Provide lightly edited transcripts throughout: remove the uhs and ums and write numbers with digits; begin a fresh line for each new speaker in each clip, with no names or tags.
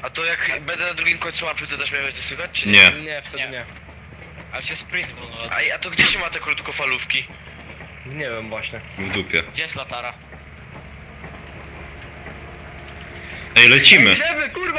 A to jak będę na drugim końcu mapy, to też mnie będzie słychać, czy
Nie.
Nie, wtedy nie.
Ale się sprint wolno.
A to gdzie się ma te krótkofalówki?
Nie wiem właśnie.
W dupie.
Gdzie jest latara?
Ej, lecimy!
Idziemy, kurwa,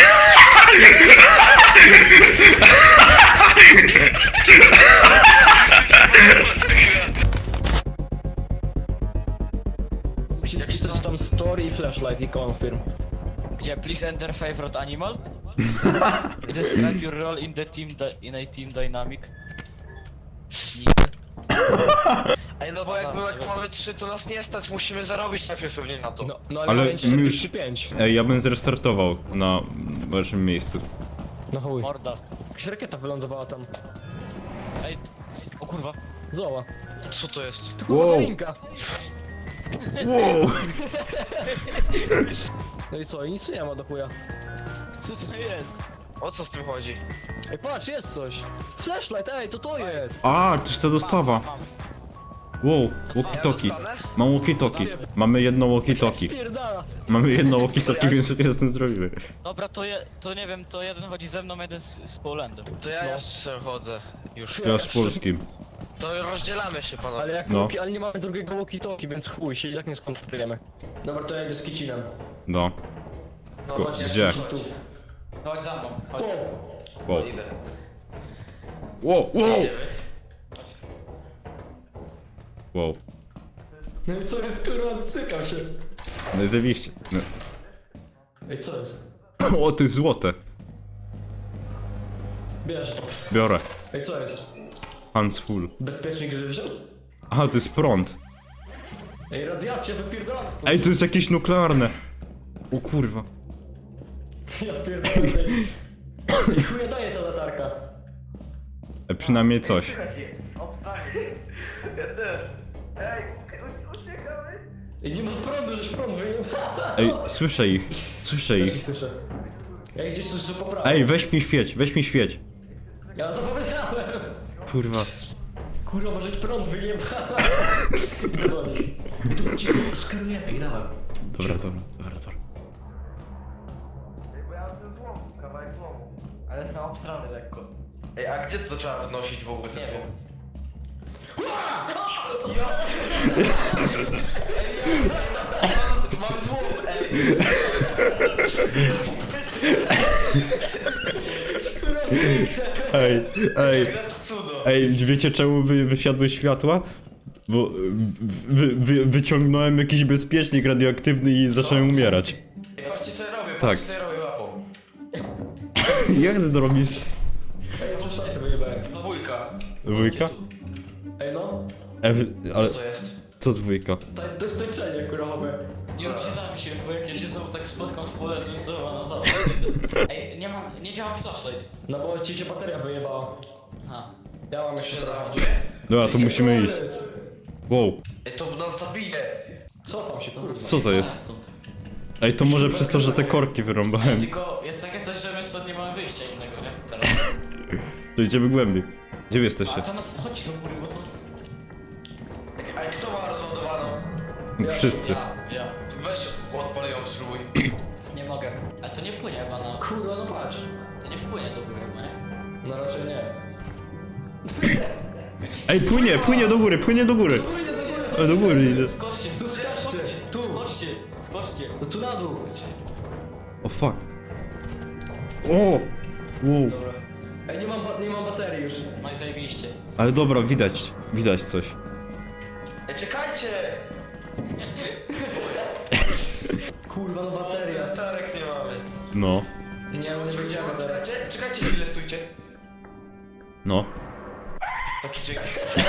Musisz pisać tam story i flashlight i confirm.
Gdzie please enter favorite animal? Describe your role in the team in a team dynamic.
Ej, no bo jak mamy 3, to nas nie stać, musimy zarobić najpierw pewnie na to.
No
Ale
ale
my już-
45.
Ej, ja bym zrestartował na waszym miejscu.
No chuj.
Morda.
Jakaś rakieta wylądowała tam.
Ej, o kurwa.
Zoła.
Co to jest?
Kurwa,
Wow.
Karinka.
Wow!
No i co, i nic nie ma do chuja.
Co to jest?
O co z tym chodzi?
Ej, patrz, jest coś. Flashlight, ej, to jest.
A, to jest ta dostawa. Wow, walkie-talkie. Mam walkie-talkie. Mamy jedno walkie-talkie.
Spierdala.
Mamy jedno walkie-talkie, więc sobie z tym zrobimy.
Dobra, to nie wiem, to jeden chodzi ze mną, jeden z Polandem.
To ja jeszcze chodzę. Już.
Ja z polskim.
To rozdzielamy się, panowie.
Ale jak
No.
ale nie mamy drugiego walkie-talkie, więc chuj, się i tak nie skontrolujemy. Dobra, to ja idę z kicinem.
No.
No,
Ko-
chodźcie.
Gdzie?
Tu.
Chodź za mną, chodź.
O,
Wow.
Idę.
Wow, wow!
Idziemy.
Wow.
no i co jest, kurwa, cykam się.
No i zajebiście. No.
Ej, co jest?
O, to jest złote.
Bierz to.
Biorę.
Ej, co jest?
Hands full.
Bezpiecznik, żeby wziął?
Aha, to jest prąd.
Ej, radiacja, wypierdalam stąd.
Ej, to jest jakieś nuklearne. O kurwa.
Ja pierdolę. Ej, chuja daje ta latarka.
Przynajmniej coś.
Ej, nie ma prądu, żeś prąd wyjął.
Ej, słyszę ich. Słyszę
Też
ich.
ich słyszę. Ja gdzieś coś poprawię.
Ej, weź mi świeć, weź mi świeć.
Ja zapomniałem.
Kurwa.
Kurwa, może prąd wyjebał. Idę do nich. Tu cicho, skrujemy i dawaj.
Dobra, dobra, dobra, dobra.
Bo ja mam ten złom, kawałek złomu.
Ale są obstrany lekko.
Ej, a gdzie to trzeba wnosić w ogóle?
Nie wiem.
Mam złom, ej!
Ej, ej,
To cudo.
ej, wiecie czemu wysiadły światła? Bo wyciągnąłem jakiś bezpiecznik radioaktywny i zacząłem umierać.
Ej, patrzcie co ja robię,
Tak.
patrzcie co ja robię łapą.
Jak ty to robisz?
Ej, przecież to wyjebałem.
Dwójka.
Dwójka?
Ej, no.
Ale
Co to jest?
co dwójka?
To jest tańczenie, kurwa, mamy.
Nie obcinamy się już, bo jak ja się znowu tak spotkam z Polandem, to ona znowu. Ej, nie działa flashlight.
No bo ci się bateria wyjebała.
Aha.
Ja mam
To
jeszcze
się
trochę.
naładuje?
Dobra, to musimy iść. Wow,
Ej, to nas zabije.
Co tam się, kurwa?
co to jest?
Stąd.
Ej, to może przez to, że te korki wyrąbałem.
Tylko jest takie coś, że my stąd nie mamy wyjścia innego, nie? Teraz.
To idziemy głębiej. Gdzie wy
A
jesteście?
to nas chodzi do góry, bo to...
Ej, kto ma rozładowaną?
Wszyscy.
Ja.
Weź odpal ją, spróbuj.
Nie mogę. Ale to nie płynie chyba na...
Kurwa, no patrz.
To nie wpłynie do góry chyba, nie?
No raczej nie.
Ej, płynie do góry, płynie do góry. Do góry idzie.
Skoczcie,
Tu.
skoczcie.
No tu na dół.
O fuck. O! Wow.
Dobra.
Ej, nie mam baterii już.
No i zajebiście.
Ale dobra, widać coś.
Ej, czekajcie!
Kurwa, no bateria.
Latarek nie mamy.
No,
Nie, no nie będziemy teraz.
Czekajcie chwilę, stójcie.
no.
Taki czek.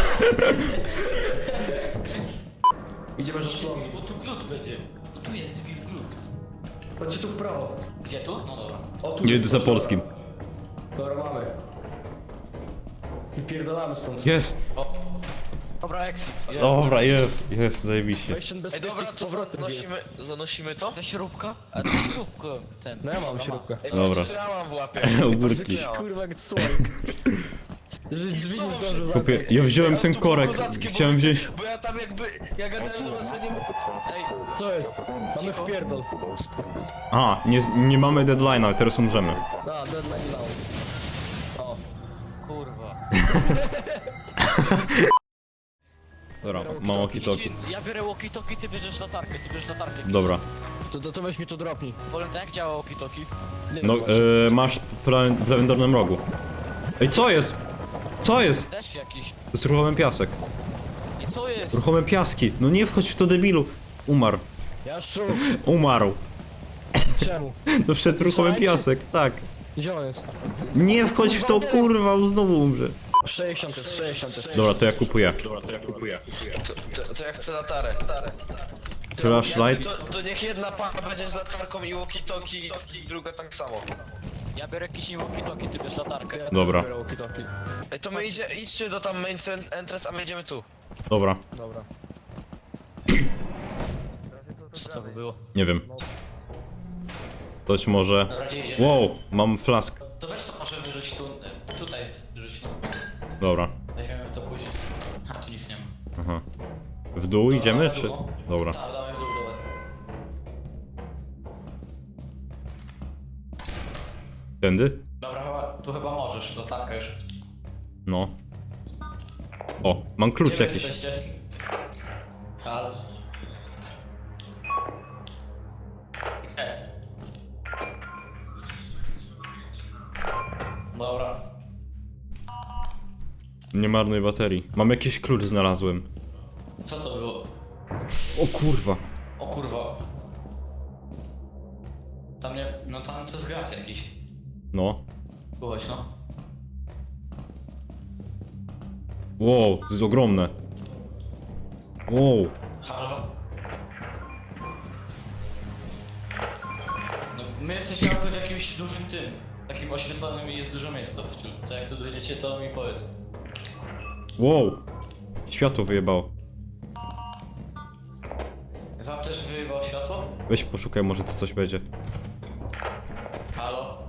Idziemy za szlong.
Bo tu glut będzie. Bo tu jest wilk glut.
Chodźcie tu w prawo.
Gdzie tu? No dobra.
O, tu
Jedę
jest
za
coś.
polskim.
Dobra, mamy. Wypierdalamy stąd.
Jest!
Dobra, exit.
Dobra, jest, zajebiście.
Weź ten
Ej,
bezpiecznik
dobra,
z
to
powrotem.
zanosimy to?
To śrubka? A to śrubka ten.
No ja mam śrubkę.
Ej,
Dobra.
patrzcie, co ja mam w łapie.
Ogórki.
Patrzcie, co ja mam.
Kurwa, jak słoik. Drzwi nie zdążył zamknąć.
Kupię, ja wziąłem ten
to było
korek,
kozackie, bo
chciałem
wiecie,
wziąć...
Bo ja tam jakby, ja gadałem do was, że nie...
Ej,
Co jest? Mamy wpierdol.
A, nie mamy deadline'a, teraz umrzemy.
A, deadline now. O.
kurwa.
Dobra, mam walkie-talkie.
Ja biorę walkie-talkie, ty bierzesz latarkę,
Dobra.
To weź mi to dropnij.
Powiem tak, jak działa walkie-talkie?
Nie
No,
wiem właśnie.
masz w prawym dolnym rogu. Ej, co jest? Co jest?
Deszcz jakiś.
To jest ruchomy piasek.
I co jest?
Ruchome piaski. No nie wchodź w to, debilu. Umarł.
Jaszczu,
Umarł.
czemu?
To wszedł ruchomy piasek, tak.
Gdzie on jest?
Nie wchodź w to, kurwa, on znowu umrze.
60 jest, 60.
Dobra, to ja kupuję.
To ja chcę latarę.
Flashlight.
To niech jedna para będzie z latarką i walkie-talkie i druga tak samo.
Ja biorę jakiś walkie-talkie, ty bierz latarkę.
Dobra.
Ej, to my idźcie do tam main entrance, a my idziemy tu.
Dobra,
Dobra.
Co to by było?
nie wiem. Coś może...
Dobra, gdzie idziemy?
Wow, mam flask.
To weź to może wyrzuć tu, tutaj wyrzuć, no.
Dobra.
Weźmiemy to później. A, tu nic nie ma.
Aha. W dół idziemy, czy... Dobra.
Tak, dawaj w dół, dawaj.
Tędy?
Dobra, tu chyba możesz, latarka już.
No. O, mam klucz
Gdzie wy
jakiś.
jesteście? Halo? Dobra.
Nie marnuj baterii. Mam jakiś klucz znalazłem.
Co to było?
O kurwa.
O kurwa. Tam nie... No tam to jest gaz jakiś.
No.
Byłeś, no.
Wow, to jest ogromne. Wow.
Halo? No, my jesteśmy jakby w jakimś dużym tym. Takim oświetlonym i jest dużo miejsca w tym. To jak tu dojdziecie, to mi powiedz.
Wow. Światło wyjebało.
Wam też wyjebało światło?
Weź poszukaj, może tu coś będzie.
Halo?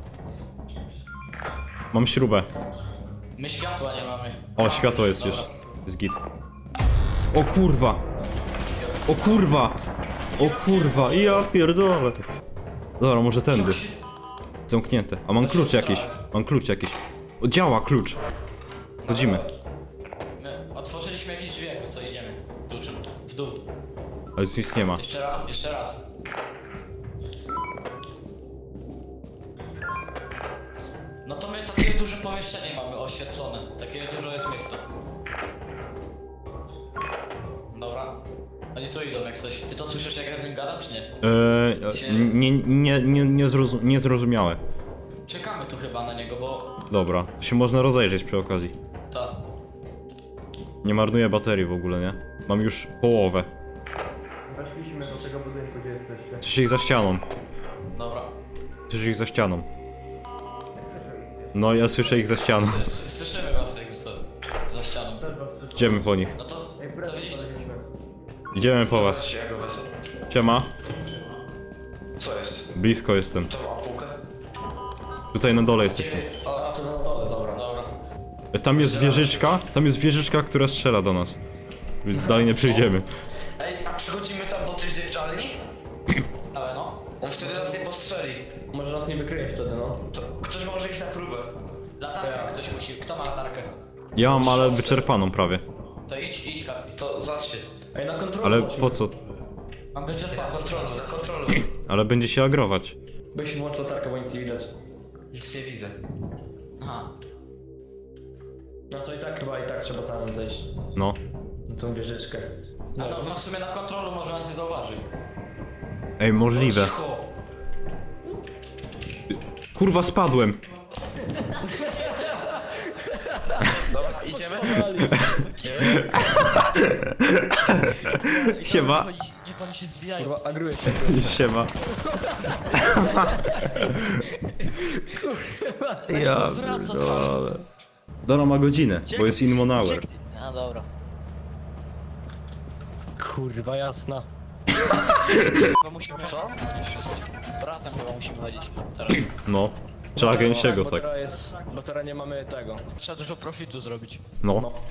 Mam śrubę.
My światła nie mamy.
O, światło jest
Dobra.
już. Jest git. O kurwa. O kurwa. O kurwa. Ja pierdolę. Dobra, może tędy. Zamknięte. A mam klucz jakiś. Mam klucz jakiś. O, działa klucz. Chodzimy.
My otworzyliśmy jakieś drzwi, jakby co idziemy. Kluczem. W dół.
Ale nic nie ma.
Jeszcze raz, jeszcze raz. No to my takie duże pomieszczenie mamy oświetlone. Takie dużo jest miejsca. Dobra. Oni tu idą jak coś. Ty to słyszysz jak ja z nim gadam, czy nie?
Niezrozumiałe.
Czekamy tu chyba na niego, bo...
Dobra, się można rozejrzeć przy okazji.
Ta.
Nie marnuję baterii w ogóle, nie? Mam już połowę.
Weszliśmy do tego budynku, gdzie jesteście.
Słyszę ich za ścianą.
Dobra.
Słyszę ich za ścianą. No, ja słyszę ich za ścianą.
Słyszymy was jakby co. Za ścianą.
Idziemy po nich.
No to widzisz?
Idziemy po was.
Ja go wezmę.
Siema.
Co jest?
Blisko jestem.
To ma półkę?
Tutaj na dole jesteśmy.
O, to na dole, dobra. Dobra.
Tam jest wieżyczka, która strzela do nas. Więc dalej nie przejdziemy.
Ej, a przychodzimy tam do tej zjeżdżalni?
Ale no.
On wtedy nas nie postrzeli.
Może nas nie wykryje wtedy, no.
To ktoś może iść na próbę.
Latarkę ktoś musi. Kto ma latarkę?
Ja mam, ale wyczerpaną prawie.
To idź, Kapi.
To zacznij.
Ej, na kontrolę
Ale
chodźmy.
po co?
Mam być
Na
odpalony.
kontrolu, na kontrolu.
Ale będzie się agrować.
Weź włącz latarkę, bo nic nie widać.
Nic nie widzę.
Aha.
No to i tak trzeba tam zejść.
No.
Na tą wieżyczkę.
No, no w sumie na kontrolu może nas nie zauważy.
Ej, możliwe.
Cicho.
Kurwa, spadłem.
Dobra, idziemy?
Siema.
Niech oni się zwijają.
Kurwa, agruję się.
Siema. Ja
wraca
pierdolę. Dora ma godzinę, bo jest in one hour.
A dobra.
Kurwa, jasna.
Co?
Razem chyba musimy chodzić teraz.
No. Trzeba gęsiego,
Bo
tak.
teraz jest... Bo teraz nie mamy tego.
Trzeba dużo profitu zrobić.
No.
No.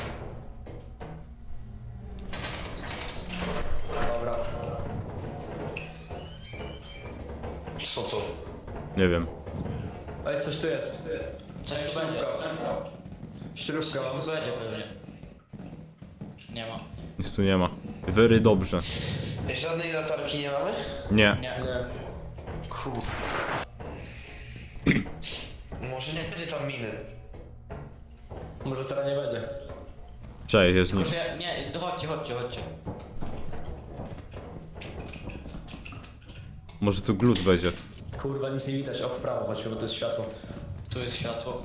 Dobra.
Co to?
Nie wiem.
Ej, coś tu jest.
Coś tu będzie.
Śrubka.
Coś tu będzie pewnie. Nie ma.
Nic tu nie ma. Very dobrze.
Żadnej latarki nie mamy?
Nie.
Nie.
Nie.
Kur... Może nie będzie tam miny.
Może teraz nie będzie.
Cześć, jest nim.
Tylko, że nie, chodźcie.
Może tu glut będzie.
Kurwa, nic nie widać. O, w prawo, chodźmy, bo to jest światło.
Tu jest światło.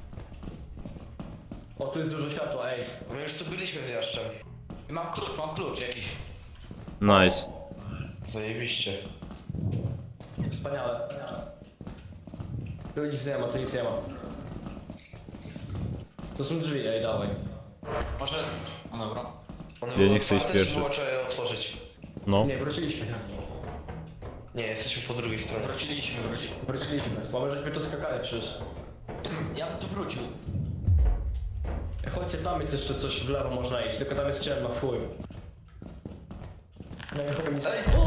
O, tu jest dużo światła, ej.
My już tu byliśmy z Jaszczem.
I mam klucz jakiś.
Nice.
Zajebiście.
Wspaniale. Tu nic nie ma, tu nic nie ma. To są drzwi, ej, dawaj.
Może... No dobra.
One
Ja
były
nie chcę iść
otwarte, czy
pierwszy.
było trzeba je otworzyć?
No.
Nie, wróciliśmy.
Nie, jesteśmy po drugiej stronie.
Wróciliśmy. Bo może żeśmy tu skakali przecież.
Ja bym tu wrócił.
Chodźcie, tam jest jeszcze coś w lewo można iść, tylko tam jest ciemno, fuj. No i chuj nic.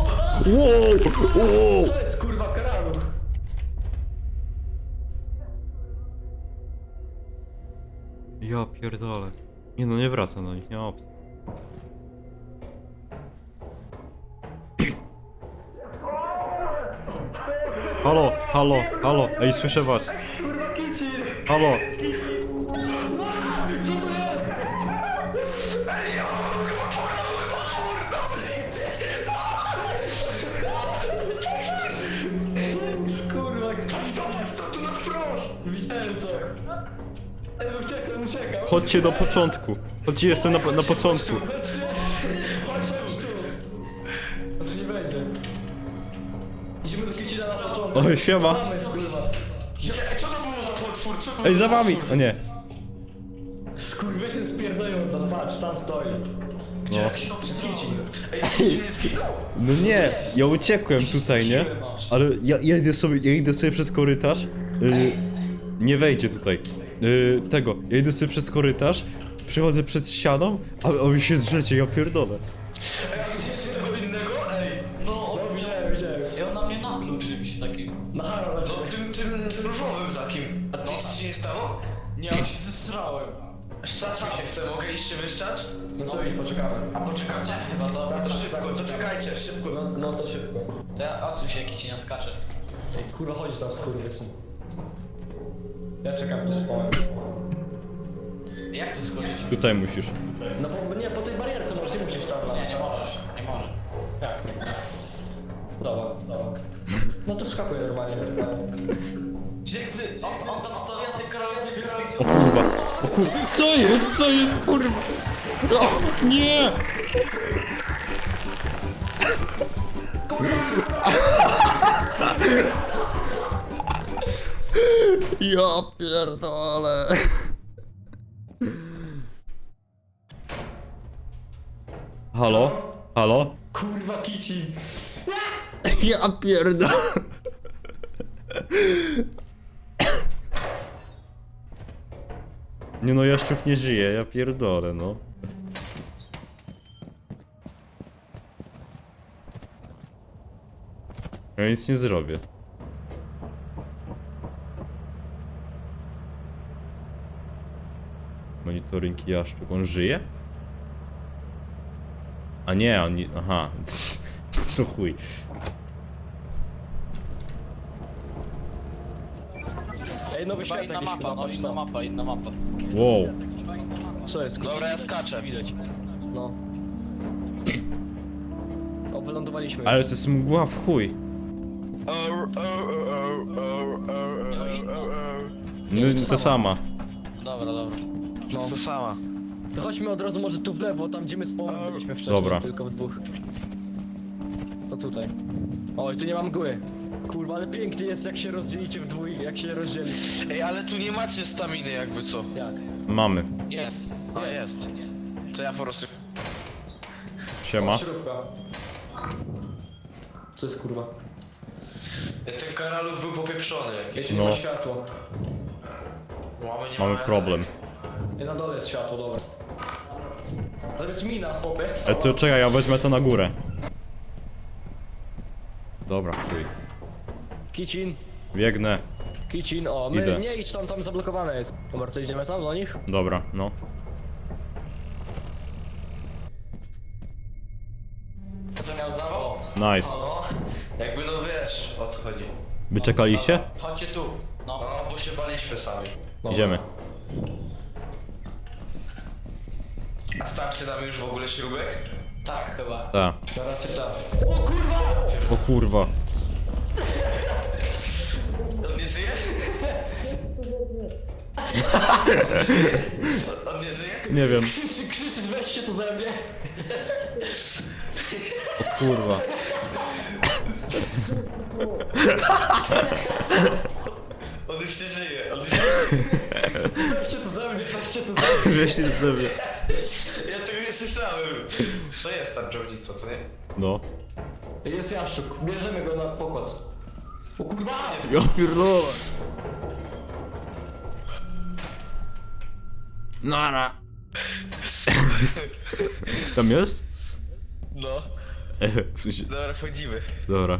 Wow!
Co jest kurwa karalu?
Ja pierdolę. Nie no, nie wracam do nich, nie ma opcji. Halo, halo, halo, ej, słyszę was.
Kurwa kici!
Halo.
Co to jest? Kurwa, to tu na wprost! Widziałem to. Ej, uciekam.
Chodźcie do początku. Chodźcie, jestem na początku.
Chodźcie tu. Znaczy nie będzie. Idziemy do Kicina na początek.
Oj, siema.
Tam jest, kurwa.
Ej, co to było za potwór? Co to
Ej,
było
za wami!
potwór?
O nie.
Skurwysyn spierdolą, patrz, tam stoi.
No.
Kicin.
Ej, Kicin nie zginął?
No nie, ja uciekłem tutaj, nie? Ale ja idę sobie przez korytarz. Nie wejdzie tutaj. Ja idę sobie przez korytarz, przechodzę przez ścianą, a wy się zrzecie, ja pierdolę.
Ej, a widzieliście tego innego? Ej,
No,
No, widziałem.
i on na mnie napluł czymś takim.
Na haro,
no tym różowym takim. A nic ci się nie stało?
Nie, on się zesrałem.
Szczać mi się chce, mogę iść się wyszczać?
No to idź, poczekamy.
A poczekajcie.
Chyba za...
To szybko, to czekajcie, szybko.
No to szybko.
To ja odsuń się, jaki ci nie skacze.
Ej, kurwa, chodź tam, skurwysyn. Ja czekam tu z połem.
Jak tu schodzić?
Tutaj musisz.
No bo nie, po tej barierce możesz, nie musisz tam
Nie możesz.
Jak nie? Dobra. No to wskakuj normalnie.
Gdzie on tam stoi, a ty Karol wybiegł z tych...
O kurwa. O kurwa. Co jest kurwa? O, nie! Ja pierdolę. Halo? Halo?
Kurwa, Kicin.
Ja pierdolę. Nie no, Jaszczuk nie żyje, ja pierdolę, no. Ja nic nie zrobię. Monitoring Jaszczuk, on żyje? A nie, on nie... aha. To chuj.
Ej, nowy
Chyba
świat
inna
jakiś
mapa,
chyba,
no
patrz
inna
tam.
mapa, inna mapa.
Wow.
Co jest?
Dobra, ja skaczę.
Widać.
No. O, wylądowaliśmy
Ale
już.
to jest mgła w chuj. No to sama.
Dobra.
No.
To sama.
To chodźmy od razu może tu w lewo, tam gdzie my z połem byliśmy wcześniej,
Dobra.
tylko w dwóch. To tutaj. Oj, tu nie mam mgły. Kurwa, ale pięknie jest jak się rozdzielicie w dwójkę, jak się rozdzieli.
Ej, ale tu nie macie staminy jakby co.
Jak?
Mamy.
Jest.
A jest. To ja po prostu...
Siema.
Śrubka. Co jest kurwa?
Ten karaluch był popieprzony jakiś.
Wiecie,
No.
nie ma światła.
Mamy problem.
I na dole jest światło, dobra. To jest mina, chłopie.
To czekaj, ja wezmę to na górę. Dobra, chuj.
Kicin.
Biegnę.
Kicin, o, my
Idę.
nie idź tam zablokowane jest. Dobra, to idziemy tam do nich?
Dobra, no.
To miał zawał?
Nice.
No, jakby no wiesz o co chodzi.
Wy czekaliście?
Chodźcie tu. No.
No, bo się baliśmy sami.
Dobra.
Idziemy.
A starczy nam już w ogóle śrubek?
Tak, chyba.
Tak.
To raczej tak.
O kurwa.
On nie żyje? On nie żyje?
Nie wiem.
Krzyczysz, weźcie to ze mnie.
O kurwa.
On już nie żyje, on już nie żyje.
Weźcie to ze mnie, weźcie to ze mnie.
Wieś do sobie.
Ja tego nie słyszałem. To jest tarczownica, co nie?
No.
Jest jaszczuk, bierzemy go na pokład. O kurwa!
Ja pierdolę. Nara. Tam jest?
No.
W sensie-
Dobra, wchodzimy.
Dobra.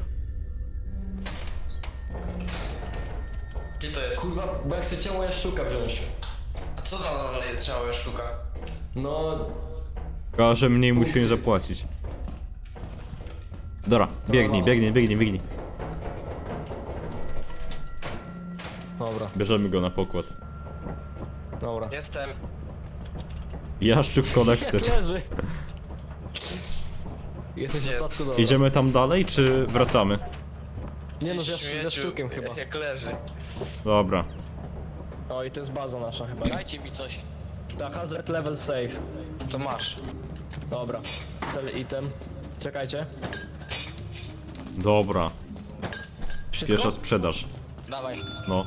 Gdzie to jest?
Kurwa, bo jak chcę ciało jaszczuka wziąć.
A co za ciało szuka?
No,
Tylko, że mniej musimy zapłacić. Dobra, biegnij, biegnij, biegnij, biegnij.
dobra,
Bierzemy go na pokład.
dobra.
Jestem.
Jaszczuk Collected.
Leży. Jesteś w
Jest.
statku, dobra.
Idziemy tam dalej, czy wracamy?
Nie no,
Śmieciu,
ze sztukiem chyba.
Jak leży.
Dobra.
O, i to jest baza nasza chyba.
Dajcie mi coś.
Tak, hazard level save.
To masz.
Dobra. Sell item. Czekajcie.
Dobra.
Wszystko?
Pierwsza sprzedaż.
Dawaj.
No.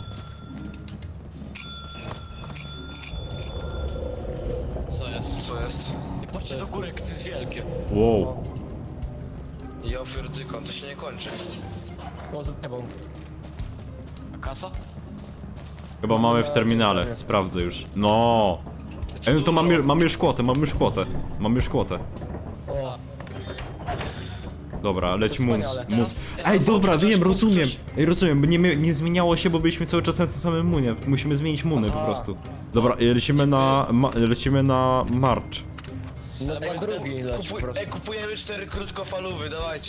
Co jest?
Co jest?
I patrzcie do góry, jak to jest wielkie.
Wow.
Ja pierdykon, to się nie kończy.
O, z tebą.
A kasa?
Chyba mamy w terminale. Sprawdzę już. No. Ej, no to mamy już kwotę, mamy już kwotę. Mamy już kwotę.
O,
Dobra, leć
To
mun.
wspaniale.
Ej, dobra,
ktoś,
wiem,
kup
rozumiem.
ktoś.
Ej, rozumiem, bo nie zmieniało się, bo byliśmy cały czas na tym samym munie. Musimy zmienić muny po
Aha.
prostu. Dobra, lecimy na marcz.
no dwa drugi leci po prostu.
Kupujemy 4 krótkofalówy, dawajcie.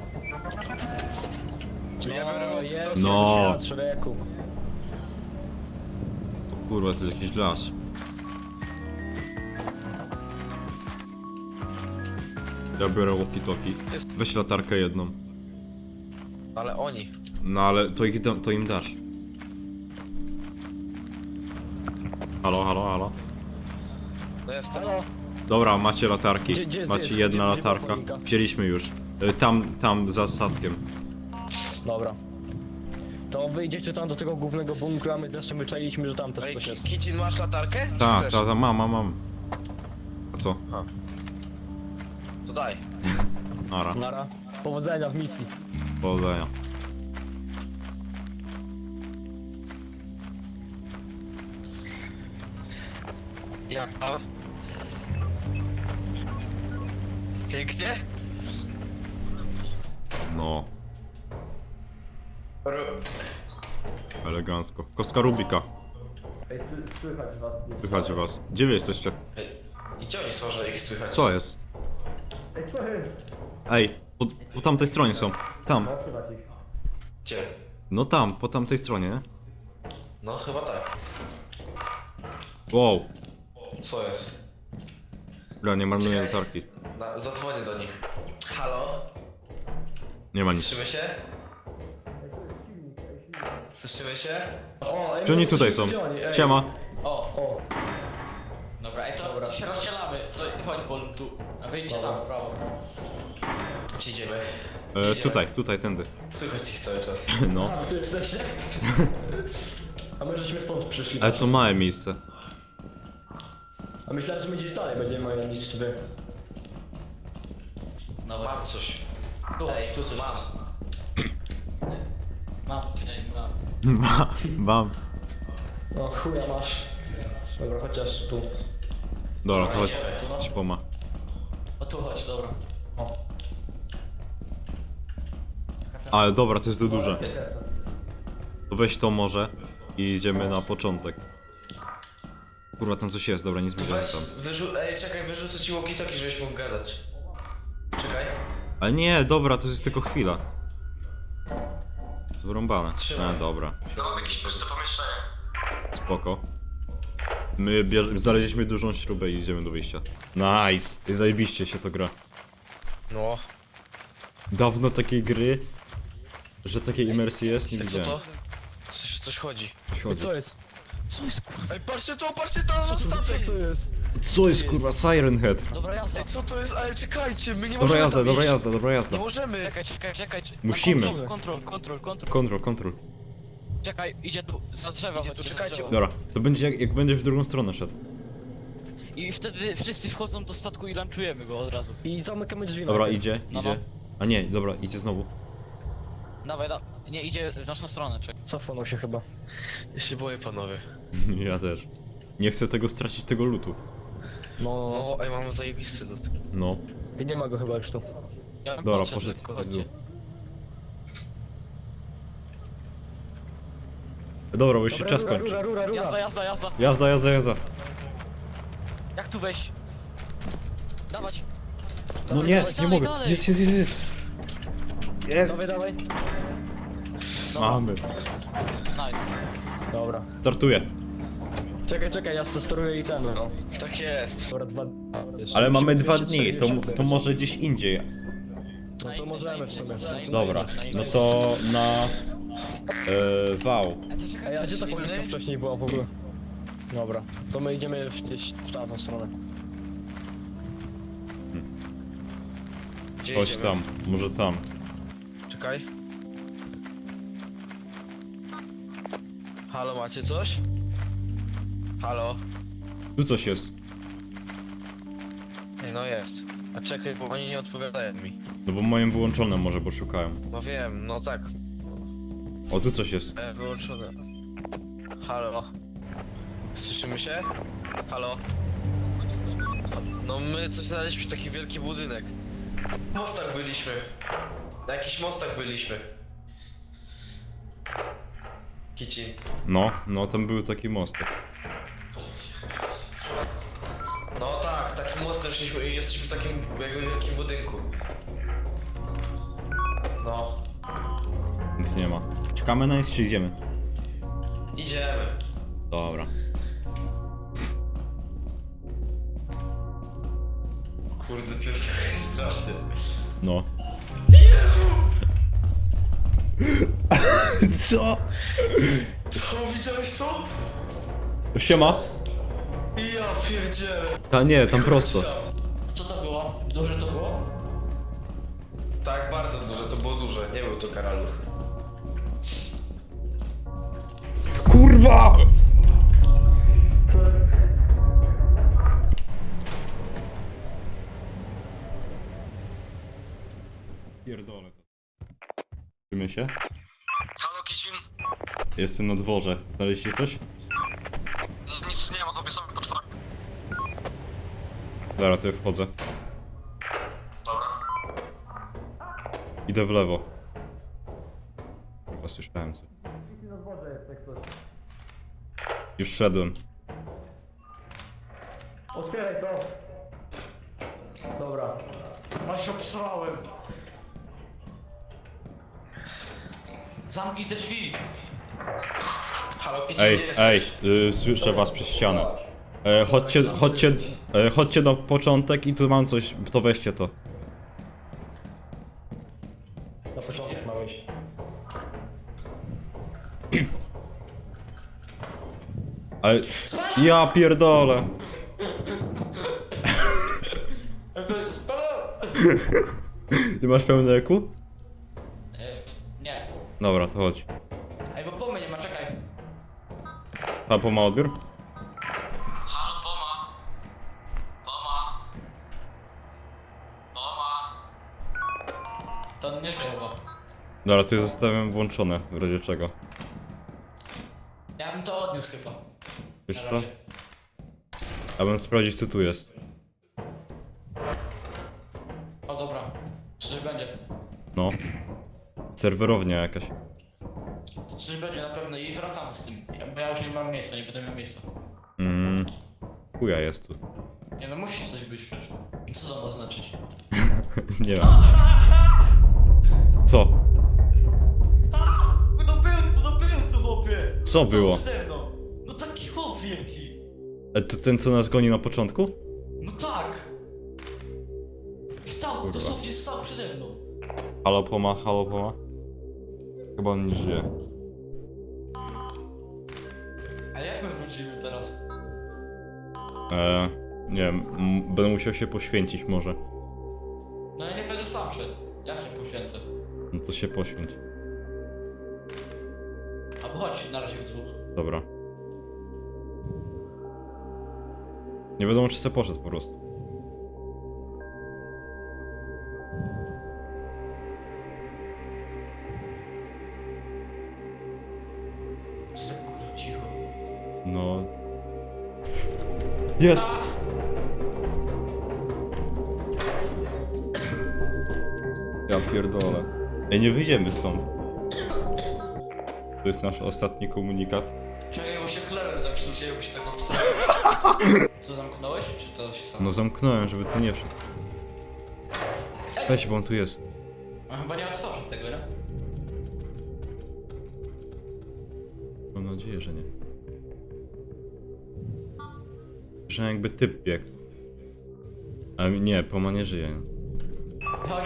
Ja
No,
biorę
jest,
No.
człowieku.
Kurwa, to jest jakiś las. Ja biorę walkie-talkie. Weź latarkę jedną.
Ale oni.
No ale to im dasz. Halo, halo, halo.
No jestem.
Halo?
Dobra, macie latarki.
Gdzie jest-
Macie
gdzie
jedna
była
latarka.
choinka?
Wzięliśmy już. Tam za statkiem.
Dobra. To wyjdziecie tam do tego głównego bunkra, my zresztą wyczailiśmy, że tam też
Ej,
coś jest.
Kicin, masz latarkę? Czy
Tak,
chcesz?
mam. A co?
To daj.
Nara.
Nara. Powodzenia w misji.
Powodzenia.
Jak tam? Pięknie?
No, elegancko. Kostka Rubika.
Ej, słychać was.
Słychać was. Gdzie wy jesteście?
Ej, i gdzie oni są, że ich słychać?
Co jest?
Ej, słychać.
Ej, po tamtej stronie są. Tam.
Słychać ich.
Gdzie?
No tam, po tamtej stronie, nie?
No chyba tak.
Wow.
Co jest?
Dobra, nie marnuję latarki.
Zadzwonię do nich. Halo?
Nie ma nic.
Słyszymy się? Słyszymy się?
O, ej,
Czy oni
my
tutaj
jesteśmy
są?
wzięli, ej.
Siema.
O,
O,
dobra, ej, to się rozdzielamy. To chodź, Bol, tu. A wyjdźcie tam w prawo.
Gdzie idziemy? Gdzie idziemy?
Tutaj, tędy.
Słychać ich cały czas.
No.
a, tu jesteście? A my żeśmy stąd przyszli.
Ale to małe miejsce.
A myślałem, że my gdzieś dalej będziemy mieli niż wy.
No,
Mam coś.
tu, ej, tu coś
Mam.
jest. Matciej, no.
Mam.
O chuja masz. Dobra, chociaż tu.
Dobra, to chodź.
idziemy tu, no.
Ci poma.
O tu chodź, dobra. O.
Ale dobra, to jest za duże. To weź to może i idziemy na początek. Kurwa, tam coś jest, dobra, nie zbliżamy
Weź,
tam.
ej, czekaj, wyrzucę ci walkie-talkie, żebyś mógł gadać. Czekaj.
Ale nie, dobra, to jest tylko chwila. Wyrąbane.
Trzymaj.
Dobra,
No mam jakieś puste pomieszczenie.
spoko. My znaleźliśmy dużą śrubę i idziemy do wyjścia. Nice! I zajebiście się to gra.
No.
Dawno takiej gry, że takiej imersji jest, nie
Ej, co
widziałem.
to? Coś chodzi.
Coś chodzi.
Co jest?
Co jest kurwa?
Ej, patrzcie to za statek!
jest?
Co jest kurwa Siren Head?
Dobra jazda.
Ej, co to jest? Ale czekajcie, my nie
Dobra
możemy
jazda,
tam
dobra
iść.
jazda, dobra jazda.
Nie możemy.
Czekaj.
Musimy.
Kontrol.
Kontrol.
Czekaj, idzie tu, za drzewo.
Idzie tu,
chodźcie,
czekajcie.
za drzewo.
Dobra, to będzie jak będzie w drugą stronę szedł.
I wtedy wszyscy wchodzą do statku i lunchujemy go od razu.
I zamykamy drzwi.
Dobra,
najpierw.
idzie.
No.
A nie, dobra, idzie znowu.
Dawaj, nie, idzie w naszą stronę, czekaj.
Cofnął się chyba.
Ja się boję, panowie.
Ja też. Nie chcę tego stracić, tego lutu.
No.
No, ej, mam zajebisty lód.
No.
I nie ma go chyba już tu.
Ja bym
Dobra,
podszedł
poszedł
lekko,
w
chodźcie.
dół. Dobra, bo już się
Dobra,
czas
rura,
kończy.
rura.
Jazda.
Jazda.
Jak tu wejść? Dawać.
No nie,
dalej,
nie mogę.
dalej.
Jest.
Dawaj.
Mamy.
Nice.
Dobra.
Startuję.
Czekaj, ja steruję itemy. No.
Tak jest.
Dobra, jeszcze
Ale mamy
musimy
2 dni, to
240.
może gdzieś indziej.
No to możemy w sumie.
Dobra, no to na... Wał.
Ej, a gdzie ta powietka wcześniej była w ogóle? Dobra, to my idziemy gdzieś w tamtą stronę.
Gdzie
Chodź
idziemy?
tam, może tam.
Czekaj. Halo, macie coś? Halo?
Tu coś jest.
Ej, no jest. A czekaj, bo oni nie odpowiadają mi.
No bo moim wyłączone może, bo szukają.
No wiem, no tak.
O, tu coś jest.
Wyłączone. Halo? Słyszymy się? Halo? No my coś znaleźliśmy, taki wielki budynek. Na mostach byliśmy. Na jakichś mostach byliśmy. Kicin.
No, tam był taki mostek.
No tak, takim mostem szliśmy i jesteśmy w takim jakby wielkim budynku. No,
Nic nie ma. Czekamy na nich, czy idziemy?
idziemy.
Dobra.
Kurde, to jest strasznie.
No. Co?
Co, widziałeś co?
Siema?
Ja pierdzielę.
A nie, tam prosto.
Co to było? Duże to było?
Tak, bardzo duże, to było duże, nie był to karaluch.
Kurwa! Pierdolę to. Czujmy się?
Halo Kicin?
Jestem na dworze. Znaleźliście coś?
Nic nie ma, tobie sobie potwory.
Dobra, to ja wchodzę.
Dobra.
Idę w lewo. Chyba słyszałem coś. Już szedłem.
Otwieraj to! Dobra.
Aż się obsrałem. Zamknij te drzwi.
Halo, Kicin,
Ej,
gdzie jesteś?
słyszę was przez ścianę. Chodźcie na początek i tu mam coś, to weźcie to.
Na początek ma wejść.
Ale... Ja pierdolę. Ty masz pełne eku?
Nie.
Dobra, to chodź.
Ej, bo pomy nie ma, czekaj.
A po ma odbiór?
Halo, Poma.
To on nie żyje chyba.
Dobra, to jest zostawiam włączone, w razie czego.
Ja bym to odniósł chyba.
Wiesz
Na
co?
razie.
Ja bym sprawdzić co tu jest.
O dobra, coś będzie.
No. Serwerownia jakaś.
Coś będzie na pewno i wracamy z tym. Bo ja już nie mam miejsca, nie będę miał miejsca.
Chuja jest tu.
Nie no, musi coś być przecież. Co to ma znaczyć?
Nie wiem. Co?
No był tu chłopie!
Co było?
Przede mną. No taki chłop wielki.
To ten co nas goni na początku?
No tak! Stał,
Kurwa.
dosłownie stał przede mną.
Halo Poma, halo Poma? Chyba on nie żyje.
A jak my wrócimy teraz?
Nie wiem, będę musiał się poświęcić może.
No ja nie będę sam szedł. Ja się poświęcę.
No to się poświęć.
Albo chodź na razie w dwóch.
Dobra. Nie wiadomo czy se poszedł po prostu.
Co za kurwa cicho.
No. Jest! Ja pierdolę. Ej, nie wyjdziemy stąd. To jest nasz ostatni komunikat.
Czekaj, bo się chlebem zakrztusiłem, bo się tak napisałem. Co, zamknąłeś, czy to się samo?
No zamknąłem, żeby tu nie wszedł. Weź, bo on tu jest.
No chyba nie otworzę tego, nie?
Mam nadzieję, że nie. Że jakby typ biegł. Ale nie, Poma nie żyje.
Chodź.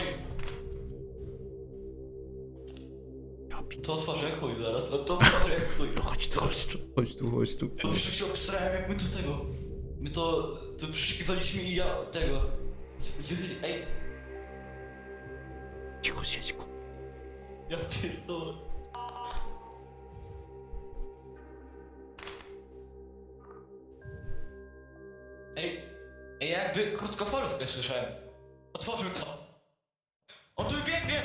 To otworzę jak chuj zaraz, to otworzę jak chuj.
Chodź tu, chodź tu, chodź tu, chodź tu.
Bo już się obsrałem jak my tu tego. My to przeszukiwaliśmy i ja tego. Wychyli, ej.
Cicho, siedź, ku.
Ja pierdolę. Ej, jakby krótkofalówkę słyszałem. Otworzył to. On tu biegnie!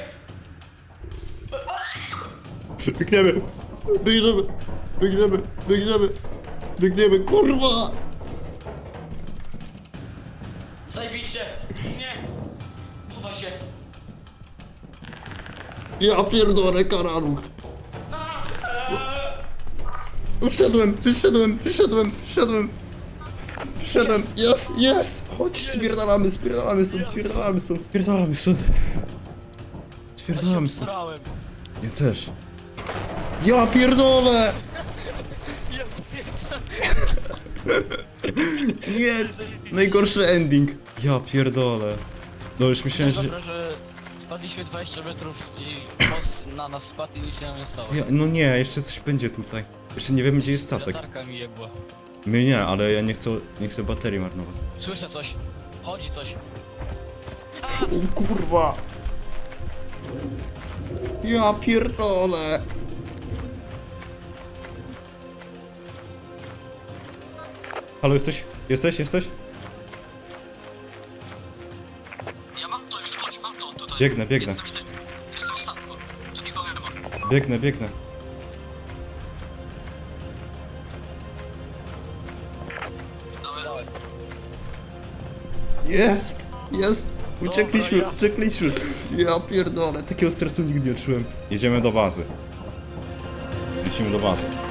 Biegniemy! Biegniemy! Biegniemy! Biegniemy! Biegniemy, kurwa!
Zajebiście! Nie! Chowaj się!
Ja pierdolę, karaluch! Wyszedłem! Jest! Chodź, spierdalamy stąd. Spierdalamy stąd.
Srałem!
Ja też. Ja pierdolę! Jest! Najgorszy ending. Ja pierdolę. No już myślałem, że...
Dobra, że spadliśmy 20 metrów i most na nas spadł i nic się nam nie stało.
No nie, jeszcze coś będzie tutaj. Jeszcze nie wiemy gdzie jest statek.
Latarka mi jebła.
My nie, ale ja nie chcę baterii marnować.
Słyszę coś. Chodzi coś.
O kurwa! Ja pierdolę! Halo, jesteś? Jesteś?
Ja mam to już, chodź, mam to tutaj.
Biegnę.
Jestem w tym. Jestem w statku. Tu nikogo nie ma.
Biegnę.
Dawaj.
Jest! Uciekliśmy. Ja pierdolę, takiego stresu nigdy nie czułem. Jedziemy do bazy. Lecimy do bazy.